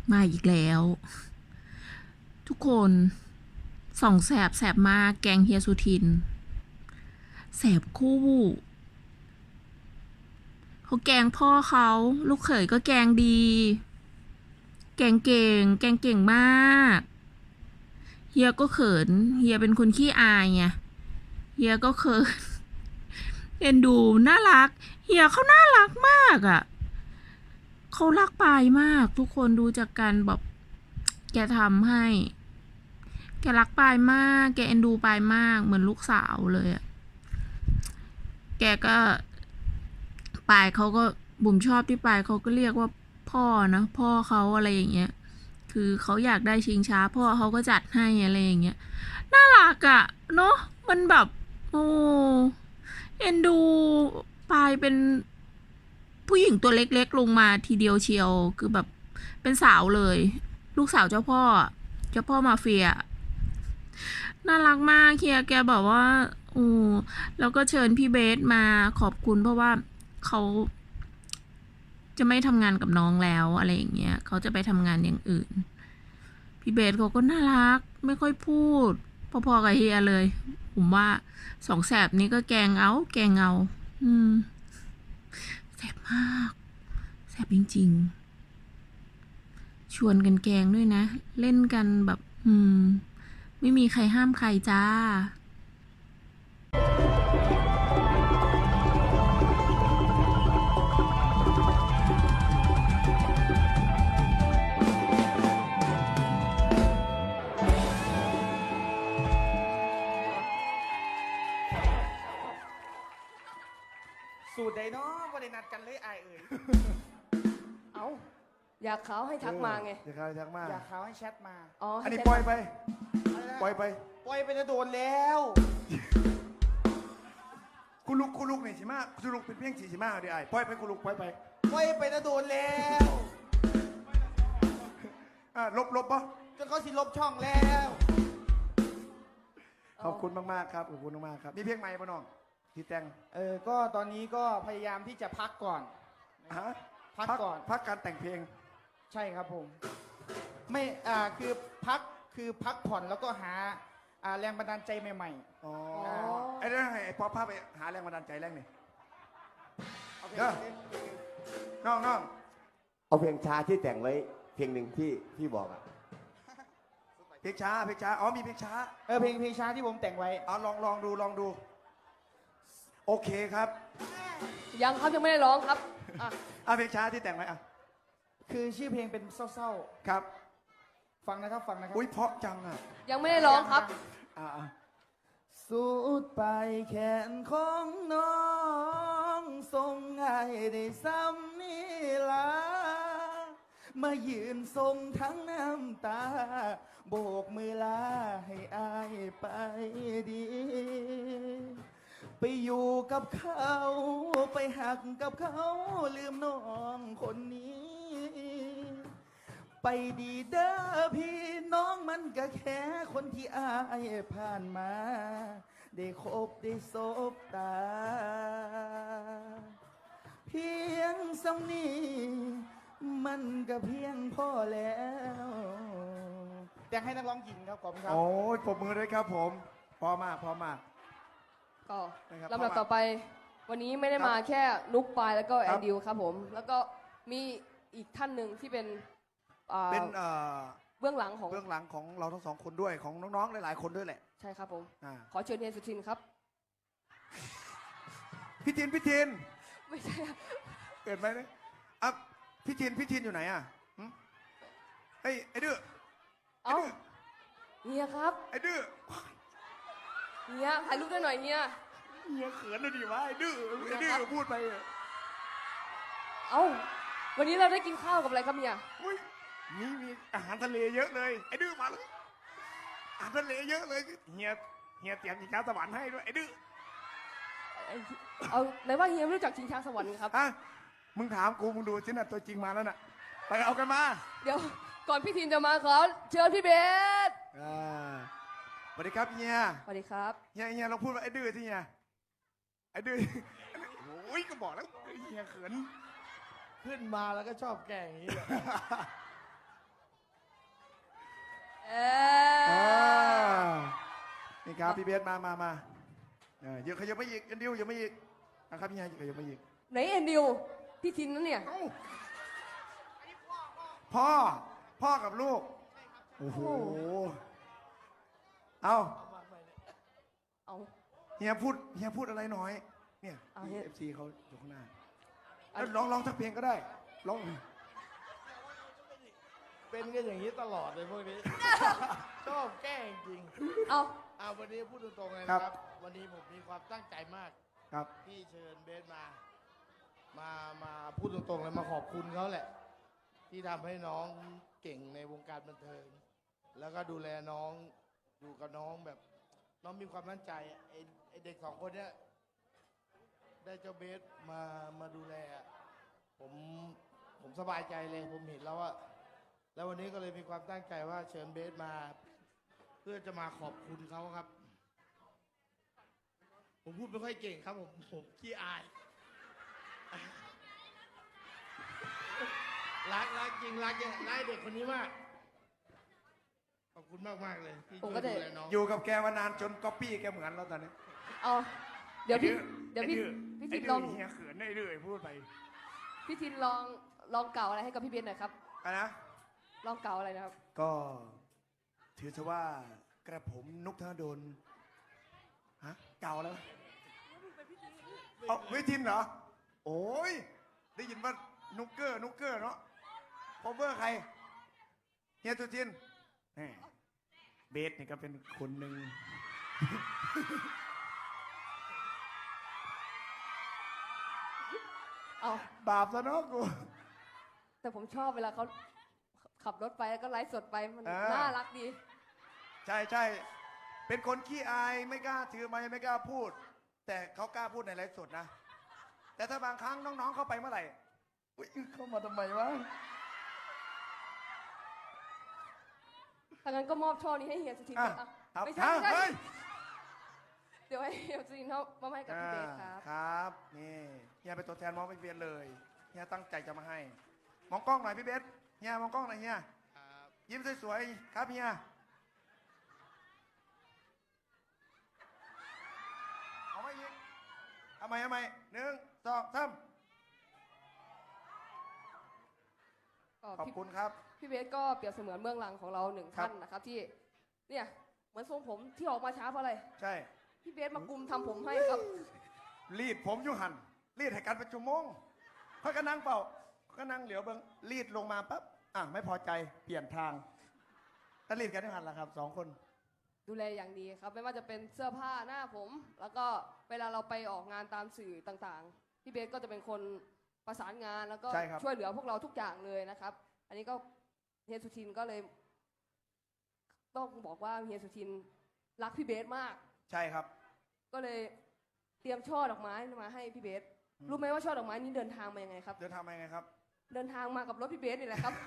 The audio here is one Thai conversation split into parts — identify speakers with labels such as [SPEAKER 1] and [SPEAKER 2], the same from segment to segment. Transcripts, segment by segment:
[SPEAKER 1] มาอีกแล้วทุกคนส่องแสบแสบมากแกงเฮียสุทินแสบคู่เขาแกงพ่อเขาลูกเขยก็แกงดีแกงเก่งแกงเก่งมากเฮียก็เขินเฮียเป็นคนขี้อายไงเฮียก็เขินเอ็นดูน่ารักเฮียเขาน่ารักมากอ่ะเขารักปายมากทุกคนดูจากการแบบแกทำให้แกรักปายมากแกเอ็นดูปายมากเหมือนลูกสาวเลยอ่ะแกก็ปายเขาก็บุ๋มชอบที่ปายเขาก็เรียกว่าพ่อนะพ่อเขาอะไรอย่างเงี้ยคือเขาอยากได้ชิงช้าพ่อเขาก็จัดให้อะไรอย่างเงี้ยน่ารักอะเนาะมันแบบโอ้เอ็นดูปายเป็นผู้หญิงตัวเล็กๆลงมาทีเดียวเชียวคือแบบเป็นสาวเลยลูกสาวเจ้าพ่อมาเฟียน่ารักมากเคียแกบอกว่าโอ้แล้วก็เชิญพี่เบสมาขอบคุณเพราะว่าเขาจะไม่ทำงานกับน้องแล้วอะไรอย่างเงี้ยเขาจะไปทำงานอย่างอื่นพี่เบสเขาก็น่ารักไม่ค่อยพูดพอๆกับเฮียเลยผมว่าสองแสบนี้ก็แกงเอาแสบมากแสบจริงๆชวนกันแกงด้วยนะเล่นกันแบบไม่มีใครห้ามใครจ้า
[SPEAKER 2] สูตรใดเนาะบ่ได้นัดกันเลยอายเอ่ย
[SPEAKER 3] เอาอยากเขาให้ทักมาไง
[SPEAKER 4] อยากเขาให้ทักมา
[SPEAKER 2] อยากเขาให้แชทมา
[SPEAKER 3] อ๋อ
[SPEAKER 4] อันนี้
[SPEAKER 3] ให้
[SPEAKER 4] ปล่อยไป
[SPEAKER 2] อะไรนะ
[SPEAKER 4] ปล่อยไป
[SPEAKER 2] ปล่อยไปจะโดนแล้ว
[SPEAKER 4] คุณลุกนี่สิมาคุณลุกเป็นเพียงสีสิมาเดี๋ยวไอ้ปล่อยไปคุณลุกปล่อยไป
[SPEAKER 2] ปล่อยไปจะโดนแล้ว
[SPEAKER 4] ลบปะ
[SPEAKER 2] จนเขาสิลบช่องแล้ว
[SPEAKER 4] ขอบคุณมากๆครับขอบคุณมากๆครับมีเพลงใหม่ปะน้องที่แต่ง
[SPEAKER 2] ก็ตอนนี้ก็พยายามที่จะพักก่อน
[SPEAKER 4] ฮะ
[SPEAKER 2] พักก่อน
[SPEAKER 4] พักการแต่งเพลง
[SPEAKER 2] ใช่ครับผม ไม่คือพักผ่อนแล้วก็หาแรงบันดาลใจใหม่
[SPEAKER 4] อ๋อไอ้เรื่องไอ้พอพาไปหาแรงบันดาลใจแรงนี่
[SPEAKER 2] ๆโอเค
[SPEAKER 4] น้อง
[SPEAKER 5] เอาเพลงช้าที่แต่งไว้เพลงหนึ่งที่บอกอ่ะ
[SPEAKER 4] เพลงช้าอ๋อมีเพลงช้า
[SPEAKER 2] เพลงช้าที่ผมแต่งไว้
[SPEAKER 4] เอาลองดูโอเคครับ
[SPEAKER 3] ยังครับยังไม่ได้ร้องครับอ่ะ
[SPEAKER 4] เพลงช้าที่แต่งไว้
[SPEAKER 2] คือชื่อเพลงเป็นเศร้า
[SPEAKER 4] ครับ
[SPEAKER 2] ๆฟังนะครับ
[SPEAKER 4] อุ้ยเพราะจังอ่ะ
[SPEAKER 3] ยังไม่ได้ร้องครับ
[SPEAKER 4] อ่า
[SPEAKER 2] สูดไปแขนของน้องทรงให้ได้ซ้ำนี่ละมายืนทรงทั้งน้ำตา โบกมือลาให้อายไปดี ไปอยู่กับเขาไปหักกับเขาลืมน้องคนนี้ ไปดีเด้อพี่น้องมันก็แค่คนที่อายผ่านมา ได้คบได้สบตา เพียงสำนีมันก็เพียงพอแล้วแต่งให้นักร้องหญิงครับขอบคุณครับ
[SPEAKER 4] โอ้ยปรบมือด้วยครับผมพอมาก
[SPEAKER 3] ก็
[SPEAKER 4] นะครับ
[SPEAKER 3] ลำดับต่อไป วันนี้ไม่ได้มาแค่นุกปายแล้วก็
[SPEAKER 4] ค
[SPEAKER 3] แอ
[SPEAKER 4] รับ
[SPEAKER 3] นดิวครับผม แล้วก็มีอีกท่านหนึ่งที่เป็น
[SPEAKER 4] เป็น
[SPEAKER 3] เบื้องหลังของ
[SPEAKER 4] เบื้องหลังของเราทั้งสองคนด้วยของน้องๆหลายๆคนด้วยแหละ
[SPEAKER 3] ใช่ครับผม
[SPEAKER 4] อ่า
[SPEAKER 3] ขอเชิญเฮียสุทินครับ
[SPEAKER 4] พี่ทิน
[SPEAKER 3] ไม่ใช่ครับ
[SPEAKER 4] เกิดไหมเนี่ยพี่ทินอยู่ไหนอ่ะหึเฮ้ยไอ้ดื้อ
[SPEAKER 3] เอ้าเฮียครับ
[SPEAKER 4] ไอ้ดื้อ
[SPEAKER 3] เฮียถ่ายรูปด้วยหน่อยเฮีย
[SPEAKER 4] เฮียเขินเลยดิวะไอ้ดื้อพูดไปอะ
[SPEAKER 3] เอ้าวันนี้เราได้กินข้าวกับอะไรครับเฮีย
[SPEAKER 4] อุ้ยมีอาหารทะเลเยอะเลยไอ้ดื้อมาเลยอาหารทะเลเยอะเลยเฮียเตรียมกินข้าวสวรรค์ให้ด้วยไอ้ดื้อ
[SPEAKER 3] เอาไหนว่าเฮียไม่รู้จักชิงช้าสวรรค์ครับ
[SPEAKER 4] มึงถามกูมึงดูสินะตัวจริงมาแล้วน่ะไปเอากันมา
[SPEAKER 3] เดี๋ยวก่อนพี่ทินจะมาขอเชิญพี่เบส
[SPEAKER 4] สวัสดีครับเฮีย
[SPEAKER 3] สวัสดีครับ
[SPEAKER 4] เฮียเราพูดว่าไอ้ดื้อที่เฮียไอ้ดื้อโอ้ยก็บอกแล้วเฮียเขิน
[SPEAKER 2] ขึ้นมาแล้วก็ชอบแกล้งอย่างนี้
[SPEAKER 3] เอ
[SPEAKER 4] อ่า
[SPEAKER 3] อ
[SPEAKER 4] นี่ครับพี่เบสมาเยอะขยับไม่อีกอันเดียวยังไม่อีกนะครับพี่ฮายขยับไม่อีก
[SPEAKER 3] ไหนเอ็นดิวพี่ทินนั่นเนี่ย
[SPEAKER 4] เอ้าพ่อกับลูกโอ้โหเอา
[SPEAKER 3] เอา
[SPEAKER 4] เฮียพูดอะไรหน่อยเนี่ย
[SPEAKER 3] เอาเฮีย
[SPEAKER 4] เอฟซีเขาอยู่ข้างหน้าแล้วร้องสักเพลงก็ได้ร้อง
[SPEAKER 2] เป็นกันอย่างนี้ตลอดเลยพวกนี้ ชอบแกล้งจริง
[SPEAKER 3] เอา
[SPEAKER 2] วันนี้พูดตรงๆเลยนะครับ วันนี้ผมมีความตั้งใจมาก
[SPEAKER 4] ครับ
[SPEAKER 2] ที่เชิญเบสมาพูดตรงๆเลยมาขอบคุณเขาแหละ ที่ทำให้น้องเก่งในวงการบันเทิง แล้วก็ดูแลน้องอยู่กับน้องแบบน้องมีความมั่นใจอะไอเด็กสองคนเนี้ยได้เจ้าเบสมาดูแลอะผมสบายใจเลยผมเห็นแล้วว่าแล้ววันนี้ก็เลยมีความตั้งใจว่าเชิญเบสมา เพื่อจะมาขอบคุณเขาครับ ผมพูดไม่ค่อยเก่งครับผมขี้อาย รักจริงรักเด็กคนนี้มาก ขอบคุณมากเลยที่ช่วยดูแลน้อง
[SPEAKER 4] อยู่กับแกมานานจนก๊อปปี้แกเหมือนแล้วตอนนี้
[SPEAKER 3] เอาเดี๋ยวพี่ทินลอง
[SPEAKER 4] เฮียเขินได้เลยพูดไป
[SPEAKER 3] พี่ทินลองเกล่าวอะไรให้กับพี่เบสหน่อยครับ
[SPEAKER 4] อะนะ
[SPEAKER 3] ลองเกล่าวอะไรนะครับ
[SPEAKER 4] ก็ถือซะว่ากระผมนุกธนดลฮะเก่าแล้วเอาไม่ทินเหรอ โอ้ยได้ยินว่านุกเกอร์เนาะพอเวอร์ใครเฮียตุจินแหมเบสนี่ก็เป็นคนหนึ่ง
[SPEAKER 3] เอา
[SPEAKER 4] บาปซะเนาะกู
[SPEAKER 3] แต่ผมชอบเวลาเขาขับรถไปแล้วก็ไลฟ์สดไปมัน
[SPEAKER 4] อ่า
[SPEAKER 3] น่ารักดี
[SPEAKER 4] ใช่เป็นคนขี้อายไม่กล้าถือไมค์ไม่กล้าพูด แต่เขากล้าพูดในไลฟ์สดนะ แต่ถ้าบางครั้งน้องๆเข้าไปเมื่อไหร่อุ๊ยเข้ามาทำไมวะ
[SPEAKER 3] ถ้างั้นก็มอบช่อนี้ให้เฮียสุทิน
[SPEAKER 4] อ่ะ
[SPEAKER 3] ก่อน
[SPEAKER 4] ครับ
[SPEAKER 3] ไม่ใช่
[SPEAKER 4] เฮ้ย
[SPEAKER 3] เดี๋ยวให้เฮียสุทินเขามอบให้กับพี่เบสครับ
[SPEAKER 4] ครับนี่เฮียเป็นตัวแทนมองไปเวียนเลยเฮียตั้งใจจะมาให้ มองกล้องหน่อยพี่เบสเฮียมองกล้องหน่อยเฮียยิ้มสวยๆครับเฮียเอาไว้อีกทำไม1 2 3ขอบคุณครับ
[SPEAKER 3] พี่เบสก็เปรียบเสมือนเบื้องหลังของเราหนึ่ง
[SPEAKER 4] ครับ
[SPEAKER 3] ท่านนะครับที่เนี่ยเหมือนทรงผมที่ออกมาช้าเพราะอะไร
[SPEAKER 4] ใช่
[SPEAKER 3] พี่เบสมากุมทำผมให้ครับ
[SPEAKER 4] รีดผมอยู่หันรีดให้กันเป็นชั่วโมงเขาก็นั่งเปล่าเขาก็นั่งเหลียวเบิ้งรีดลงมาปั๊บไม่พอใจเปลี่ยนทางก็รีดกันอยู่หันละครับ2 คน
[SPEAKER 3] ดูแลอย่างดีครับไม่ว่าจะเป็นเสื้อผ้าหน้าผม แล้วก็เวลาเราไปออกงานตามสื่อต่างๆพี่เบสก็จะเป็นคนประสานงานแล้วก็
[SPEAKER 4] ใช่ครับ
[SPEAKER 3] ช่วยเหลือพวกเราทุกอย่างเลยนะครับ อันนี้ก็เฮียสุทินก็เลยต้องบอกว่าเฮียสุทินรักพี่เบสมาก
[SPEAKER 4] ใช่ครับ
[SPEAKER 3] ก็เลยเตรียมช่อดอกไม้มาให้พี่เบสรู้ไหมว่าช่อดอกไม้นี้เดินทางมายังไงครับ
[SPEAKER 4] เดินทางมายังไงครับ
[SPEAKER 3] เดินทางมากับรถพี่เบสนี่แหละครับ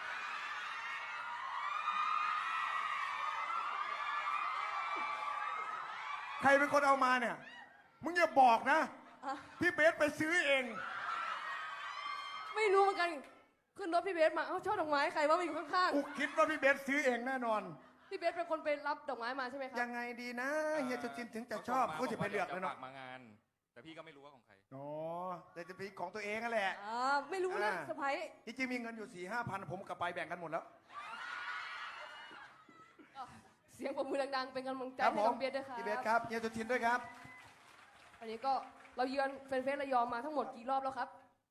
[SPEAKER 4] ใครเป็นคนเอามาเนี่ย มึงอย่าบอกนะ
[SPEAKER 3] อ่ะ
[SPEAKER 4] พี่เบสไปซื้อเอง
[SPEAKER 3] ไม่รู้เหมือนกันขึ้นรถพี่เบสมาเอ้าช่อดอกไม้ใครว่ามาอยู่ข้าง
[SPEAKER 4] กูคิดว่าพี่เบสซื้อเองแน่นอน
[SPEAKER 3] ๆพี่เบสเป็นคนไปรับดอกไม้มาใช่ไหมครั
[SPEAKER 4] ยั
[SPEAKER 3] บ
[SPEAKER 4] งไงดีนะเฮียจะจินถึงจะชอบกูจะไปเลือกเลยเนาะ
[SPEAKER 6] ฝากมางาน แต่พี่ก็ไม่รู้ว่าของใคร
[SPEAKER 4] อ๋อแต่จะเป็นของตัวเองนั่นแหละ
[SPEAKER 3] ไม่รู้นะ
[SPEAKER 4] อ่า
[SPEAKER 3] สะพ้าย
[SPEAKER 4] ที่จริงมีเงินอยู่4-5 พันผมกับไปแบ่งกันหมดแล้ว
[SPEAKER 3] เสียงปรบมือดังๆเป็นกำลังใจ
[SPEAKER 4] ครับ
[SPEAKER 3] ให้
[SPEAKER 4] ผ
[SPEAKER 3] น้
[SPEAKER 4] ม
[SPEAKER 3] องเบสด้วยครับ
[SPEAKER 4] พี่เบสครับเฮียจะจินด้วยครับ
[SPEAKER 3] อันนี้ก็เราเยือนเฟสระยองมาทั้งหมดกี่รอบแล้วครับ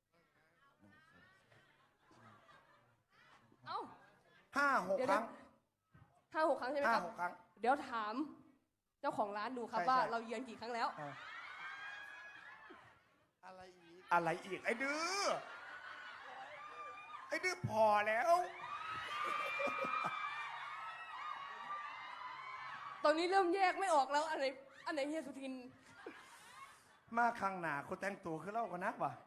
[SPEAKER 3] เอ้า
[SPEAKER 4] 5-6
[SPEAKER 3] เดี๋ยว
[SPEAKER 4] ครั้ง
[SPEAKER 3] 5-6 ครั้งใช่ไหมครับ
[SPEAKER 4] 5-6 ครั้ง
[SPEAKER 3] เดี๋ยวถามเจ้าของร้านดูครับ
[SPEAKER 4] ใช่
[SPEAKER 3] ว่า
[SPEAKER 4] ใช่
[SPEAKER 3] เราเยือนกี่ครั้งแล้ว
[SPEAKER 2] อะไรอีก
[SPEAKER 4] อะไรอีกไอ้ดื้อพอแล้ว
[SPEAKER 3] ตอนนี้เริ่มแยกไม่ออกแล้วอันไหนเฮียสุทิน
[SPEAKER 4] มาข้างหน้าคนแต่งตัวคือเล่ากันนักวะ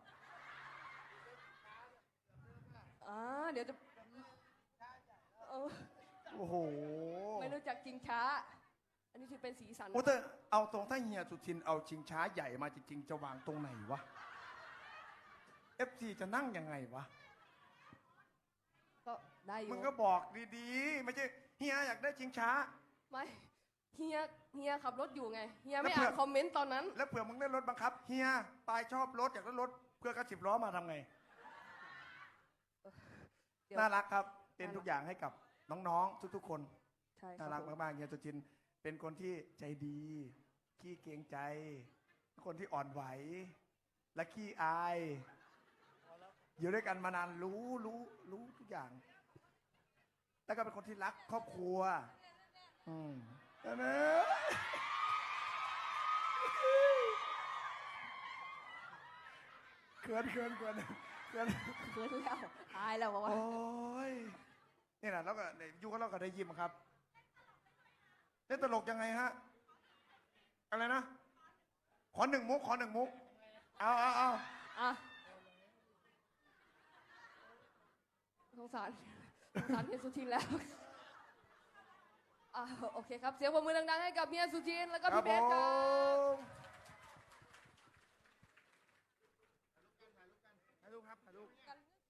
[SPEAKER 3] เดี๋ยวจะเออ
[SPEAKER 4] โอ้โห
[SPEAKER 3] ไม่รู้จักจริงช้า อันนี้ถือเป็นสีสัน
[SPEAKER 4] โอ้แต่เอาตรงถ้าเฮียสุทินเอาชิงช้าใหญ่มาจริงๆจะวางตรงไหนวะ FC จะนั่งยังไงวะ
[SPEAKER 3] ก็ได้อยู่
[SPEAKER 4] มึงก็บอกดีๆ ไม่ใช่เฮียอยากได้ชิงช้า
[SPEAKER 3] ไม่เฮียขับรถอยู่ไงเฮียไม่
[SPEAKER 4] แล้วเผื่
[SPEAKER 3] อ่า
[SPEAKER 4] อ
[SPEAKER 3] นคอมเมนต์ตอนนั้น
[SPEAKER 4] แล้วเผื่อมึงได้รถบังคับเฮียปายชอบรถอยากได้รถเพื่อกระสิบล้อมาทำไง
[SPEAKER 3] เดี๋ยว
[SPEAKER 4] น่ารักครับ เป็นทุกอย่างให้กับน้องๆ ทุกๆ คน
[SPEAKER 3] ใช่ค
[SPEAKER 4] น่า
[SPEAKER 3] รั
[SPEAKER 4] รับ ก
[SPEAKER 3] ผม
[SPEAKER 4] มากๆเฮียสุจินต์เป็นคนที่ใจดีขี้เกรงใจคนที่อ่อนไหว และขี้อาย อยู่ด้วยกันมานานรู้ทุกอย่าง แล้วก็เป็นคนที่รักครอบครัว อืมนั่นนะเขิน
[SPEAKER 3] เขินแล้วอายแล้วบอกว่า
[SPEAKER 4] โอ้ยนี่แหละแล้วก็อยู่กับเราก็ได้ยิ้มครับเล่นตลกยังไงฮะ อะไรนะ ขอหนึ่งมุก เอา
[SPEAKER 3] อ่ะสงสารเฮียสุทินแล้วอ่ะโอเคครับ เสียงปรบมือดังๆให้กับเฮียสุทินแล้วก็พี่เบสครับ
[SPEAKER 4] ถ่ายรูปครับถ่ายรูป